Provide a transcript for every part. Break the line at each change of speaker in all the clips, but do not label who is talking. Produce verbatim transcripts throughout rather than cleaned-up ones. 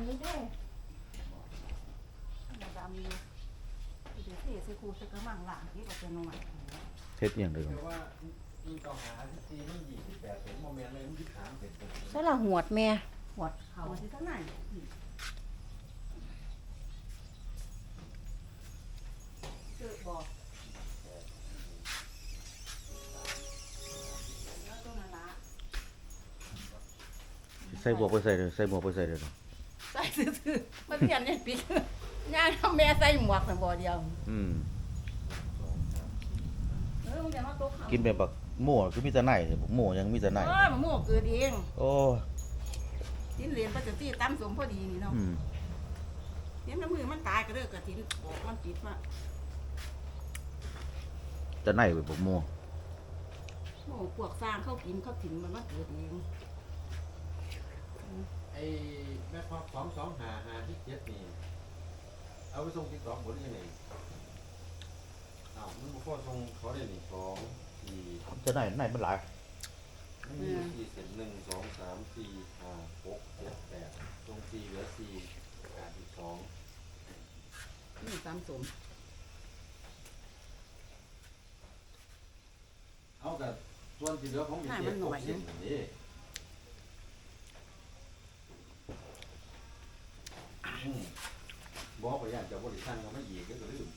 นี้เด้ดำอยู่เดี๋ยวเทใส่คูใส่กระมังหลังที่ก็จะนวด
เฮ็ดอย่างเดียว
แต่ว่ามีต่อหาที่ซีมันยี่สิบแปดเป็นโมเมนต์เลยมันยี่สิบสามเป็นเป็น
ใส่ละหวดแม่
หวดเขาที่เท่าไหร่เกิดบอกแล้วตัวนั้นละ
ใส่บวกไปใส่เลยใส่หมวกไปใส่เลยเนาะ
ใส่ซื่อๆมันเรียนเนี่ยปิดย่างทำแม่ใส่หมวกแต่บ่เดียว
อืม
เออมึงจะมาโต๊ะเขา
กินแบบบักหมูคือมีแต่ไหนเนี่ยบักหมูยังมีแต่ไหน
เออมะม่วงเกิดเอง
โอ้
ทิ้นเหรียญปัจจุบันตั้มสมพอดีนี่เนาะ
อืม
เลี้ยงน้ำมือมันตายก็เลิกกระทิ้นบอกมันติดมา
แต่ไหนแบบบักหมู
โอ้พวกสร้างเข้ากินเข้าถิ่นมันมาเกิดเอง
ไอ้แม่พอสองสองหาหาที่เจ็ดนี่เอาไปส่งที่สองหมดยังไงอ้าวมันพอส่งเขาได้นี่สองสี่
แต่ไหนไหนมันหลาย
มันมีสี่เศษหนึ่งสองสามสี่ห้าหกเจ็ดแปดตรงสี่เหลือสี่ขาดอีกสอง
นี่ตามสม
เอาแต่ส่วนที่เหลือของมีเจ็ดหกสิบนี่อืมบอกไปอย่างจะบริษัทเราไม่ยีก็จะลืม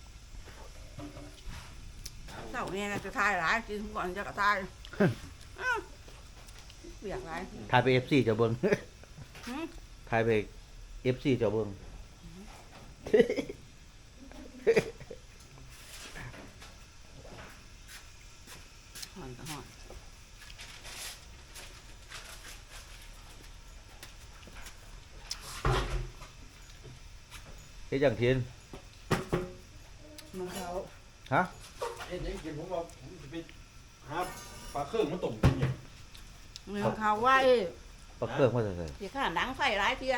เจ้าเนี่ยจะทายหลายกินก่อนจะกระทายเปียกหลาย
ถ่ายไป เอฟ ซี เจ้าเบิ่ง
หืม
ถ่ายไป เอฟ ซี เจ้าเบิ่ง
หอนก็หอน
เฮ็ดอย่างเทียน
มึงเขา
ฮะ
เอ๊ะยังกินผมว่าผมจะไปหาปลาเครื่องมาต้มกินอย่าง
มึงเขาว่าเอ้
ปลาเครื่องมาใส่ใส่
ที่ข้าหนังไฟหลายเทีย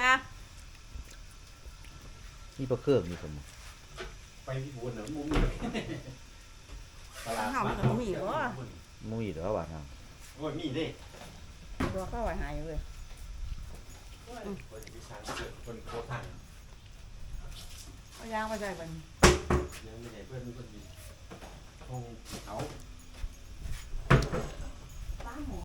นี่ปลาเครื่องนี่ผม
ไปที่บุญน่ะมันมุมตลาด
ข้าวมันก็มีบ่
มุ้ยเด้อว่าทาง
โอ้ยมีเด้
ตัวข้าวไว้หายเลย
คนที่สร้างเกิดคนโคตรทาง
เอายางมาใส่บัน
ยังไม่ได้เพื่อนเพื่อนมีคงเขา